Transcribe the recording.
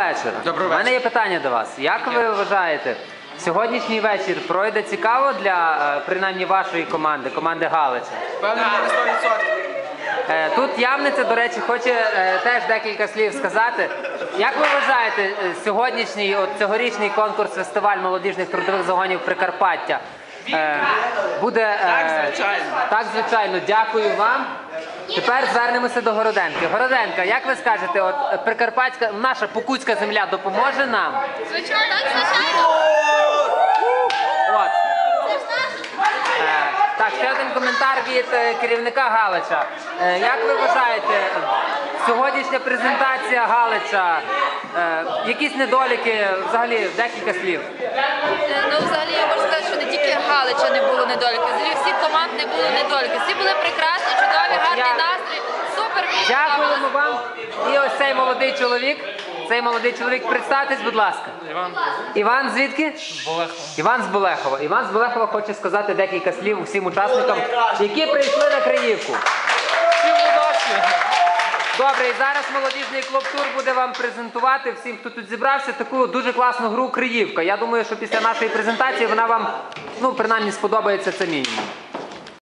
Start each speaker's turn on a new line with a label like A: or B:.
A: вечора.
B: Доброго
A: У мене
B: вечора.
A: є питання до вас. Як ви вважаєте, сьогоднішній вечір пройде цікаво для, принаймні, вашої команди, команди Галича?
B: Певно, не 100%.
A: Тут Явниця, до речі, хоче теж декілька слів сказати. Як ви вважаєте, сьогоднішній, цьогорічний конкурс-фестиваль молодіжних трудових загонів Прикарпаття буде...
B: Так, звичайно.
A: Так, звичайно. Дякую вам. Тепер звернемося до Городенки. Городенка, як ви скажете, от Прикарпатська, наша Покутська земля допоможе нам?
C: Звичайно, звичайно.
A: От. Так, ще один коментар від керівника Галича. Як ви вважаєте, сьогоднішня презентація Галича, якісь недоліки, взагалі, декілька слів?
C: Ну, взагалі, я можу сказати, що не тільки Галича не було недоліків, взагалі всіх команд не було недоліків. Всі були прекрасні, чудові, гарний настрій, супер.
A: Дякуємо вам. І ось цей молодий чоловік. Цей молодий чоловік, представтесь, будь ласка.
B: Іван.
A: Іван звідки?
B: Болехова.
A: Іван з Болехова. Іван з Болехова хоче сказати декілька слів усім учасникам, які прийшли на Криївку.
B: Всім удачі!
A: Добре, і зараз молодіжний клуб «Тур» буде вам презентувати всім, хто тут зібрався, таку дуже класну гру «Криївка». Я думаю, що після нашої презентації вона вам, ну, принаймні, сподобається, це мінімум.